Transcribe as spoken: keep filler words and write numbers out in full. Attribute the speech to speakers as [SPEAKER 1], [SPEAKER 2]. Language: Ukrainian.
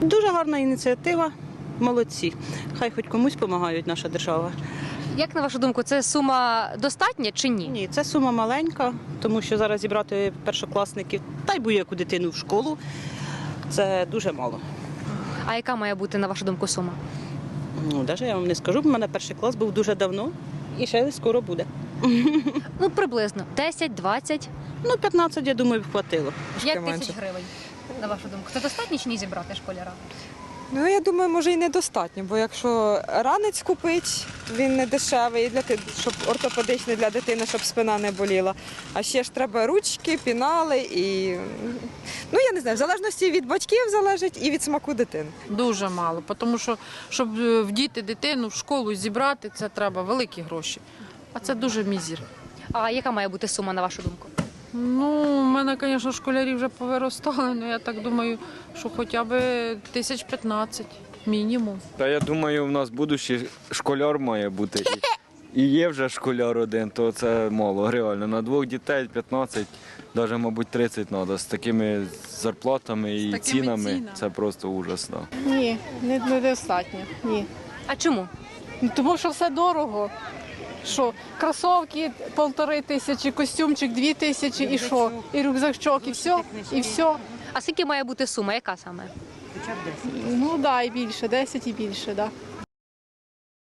[SPEAKER 1] Дуже гарна ініціатива, молодці. Хай хоч комусь допомагають наша держава.
[SPEAKER 2] Як на вашу думку, це сума достатня чи ні?
[SPEAKER 1] Ні, це сума маленька, тому що зараз зібрати першокласників та й будь-яку дитину в школу – це дуже мало.
[SPEAKER 2] А яка має бути, на вашу думку, сума?
[SPEAKER 1] Ну, навіть я вам не скажу, бо в мене перший клас був дуже давно і ще скоро буде.
[SPEAKER 2] Ну, приблизно десять, двадцять,
[SPEAKER 1] Ну, п'ятнадцять, я думаю, б хватило.
[SPEAKER 2] п'ять тисяч гривень, на вашу думку. Це достатньо чи ні зібрати школяра?
[SPEAKER 3] Ну, я думаю, може і недостатньо, бо якщо ранець купить, він не дешевий, для ти- щоб ортопедичний для дитини, щоб спина не боліла. А ще ж треба ручки, пінали і ну я не знаю, в залежності від батьків залежить і від смаку дитини.
[SPEAKER 4] Дуже мало, тому що щоб е, вдіти дитину в школу і зібрати, це треба великі гроші. А це дуже мізер.
[SPEAKER 2] А яка має бути сума, на вашу думку?
[SPEAKER 4] Ну, у мене, звісно, школярі вже повиростали, але я так думаю, що хоча б тисяч п'ятнадцять мінімум.
[SPEAKER 5] Та я думаю, в нас будущий школяр має бути. І, і є вже школяр один, то це мало, реально. На двох дітей п'ятнадцять, навіть, мабуть, тридцять треба. З такими зарплатами і
[SPEAKER 4] такими
[SPEAKER 5] цінами,
[SPEAKER 4] цінами.
[SPEAKER 5] це просто ужасно.
[SPEAKER 6] Ні, не- недостатньо. Ні.
[SPEAKER 2] А чому?
[SPEAKER 6] Ну, тому що все дорого. Що, кросовки полтори тисячі, костюмчик дві тисячі, і що? І рюкзачок, і все, і все.
[SPEAKER 2] А скільки має бути сума? Яка саме?
[SPEAKER 6] Ну так, да, і більше, десять і більше, так. Да.